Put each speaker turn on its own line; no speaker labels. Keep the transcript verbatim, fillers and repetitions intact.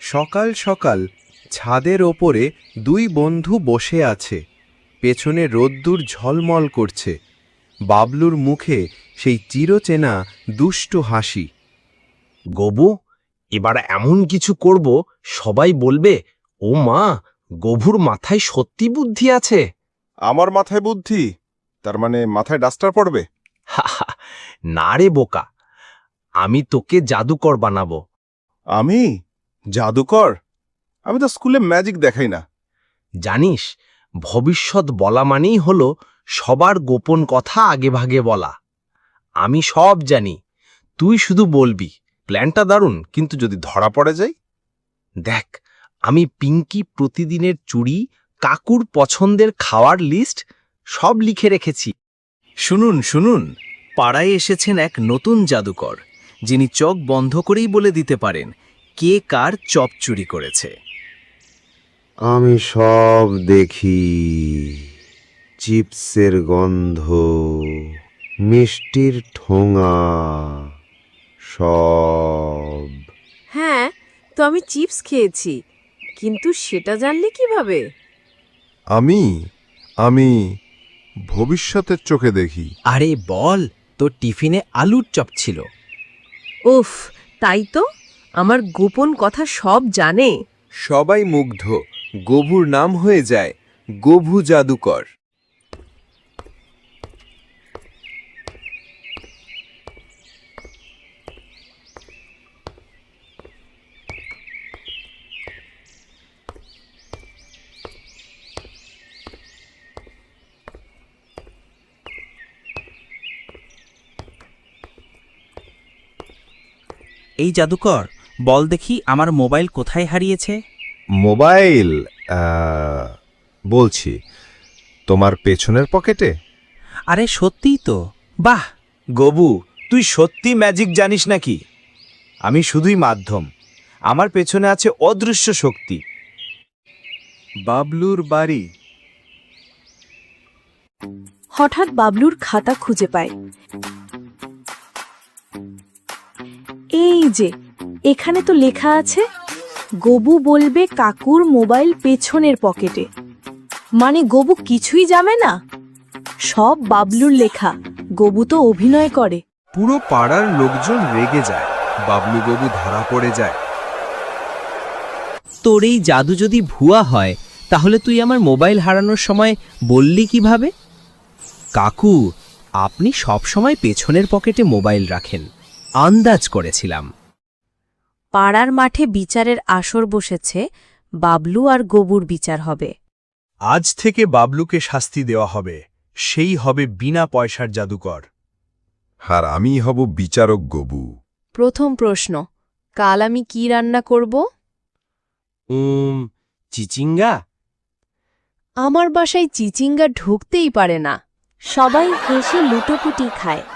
সকাল সকাল ছাদের ওপরে দুই বন্ধু বসে আছে। পেছনে রোদ্দুর ঝলমল করছে। বাবলুর মুখে সেই চিরচেনা দুষ্টু হাসি।
গবু, এবার এমন কিছু করব সবাই বলবে, ও মা, গভুর মাথায় সত্যি বুদ্ধি আছে।
আমার মাথায় বুদ্ধি? তার মানে মাথায় ডাস্টার পড়বে?
হাহা, না রে বোকা, আমি তোকে জাদুকর বানাবো।
আমি জাদুকর? আমি তো স্কুলে ম্যাজিক দেখাই না।
জানিস, ভবিষ্যৎ বলা মানেই হলো সবার গোপন কথা আগেভাগে বলা। আমি সব জানি, তুই শুধু বলবি। প্ল্যানটা দারুণ, কিন্তু যদি ধরা পড়ে যায়? দেখ, আমি পিঙ্কি প্রতিদিনের চুড়ি, কাকুর পছন্দের খাওয়ার লিস্ট সব লিখে রেখেছি।
শুনুন শুনুন, পাড়ায় এসেছেন এক নতুন জাদুকর, যিনি চোখ বন্ধ করেই বলে দিতে পারেন কে কার চপ চুরি করেছে।
আমি সব দেখি, চিপসের গন্ধ, মিষ্টির ঠোঙা, সব।
হ্যাঁ, তো আমি চিপস খেয়েছি, কিন্তু সেটা জানলে কিভাবে?
আমি আমি ভবিষ্যতের চোখে দেখি।
আরে বল, তোর টিফিনে আলুর চপ ছিল।
উফ, তাই তো, আমার গোপন কথা সব জানে।
সবাই মুগ্ধ। গভুর নাম হয়ে যায় গভু জাদুকর।
এই জাদুকর, বল দেখি আমার মোবাইল কোথায় হারিয়েছে।
মোবাইল আহ, বলছি, তোমার পেছনের পকেটে।
আরে সত্যিই তো। বাহ
গবু, তুই সত্যি ম্যাজিক জানিস নাকি? আমি শুধুই মাধ্যম, আমার পেছনে আছে অদৃশ্য শক্তি।
বাবলুর বাড়ি।
হঠাৎ বাবলুর খাতা খুঁজে পায়। এই যে, এখানে তো লেখা আছে, গবু বলবে কাকুর মোবাইল পেছনের পকেটে। মানে গবু কিছুই জানে না? সব বাবলুর লেখা, গবু তো অভিনয় করে।
পুরো পাড়ার লোকজন রেগে যায়। বাবলু গবু ধরা পড়ে যায়।
তোর এই জাদু যদি ভুয়া হয়, তাহলে তুই আমার মোবাইল হারানোর সময় বললি কিভাবে? কাকু, আপনি সবসময় পেছনের পকেটে মোবাইল রাখেন, আন্দাজ করেছিলাম।
পাড়ার মাঠে বিচারের আসর বসেছে, বাবলু আর গবুর বিচার হবে।
আজ থেকে বাবলুকে শাস্তি দেওয়া হবে, সেই হবে বিনা পয়সার জাদুকর।
আর আমি হব বিচারক গবু।
প্রথম প্রশ্ন, কাল আমি কি রান্না করব?
উম চিচিঙ্গা।
আমার বাসায় চিচিঙ্গা ঢুকতেই পারে না। সবাই হেসে লুটোপুটি খায়।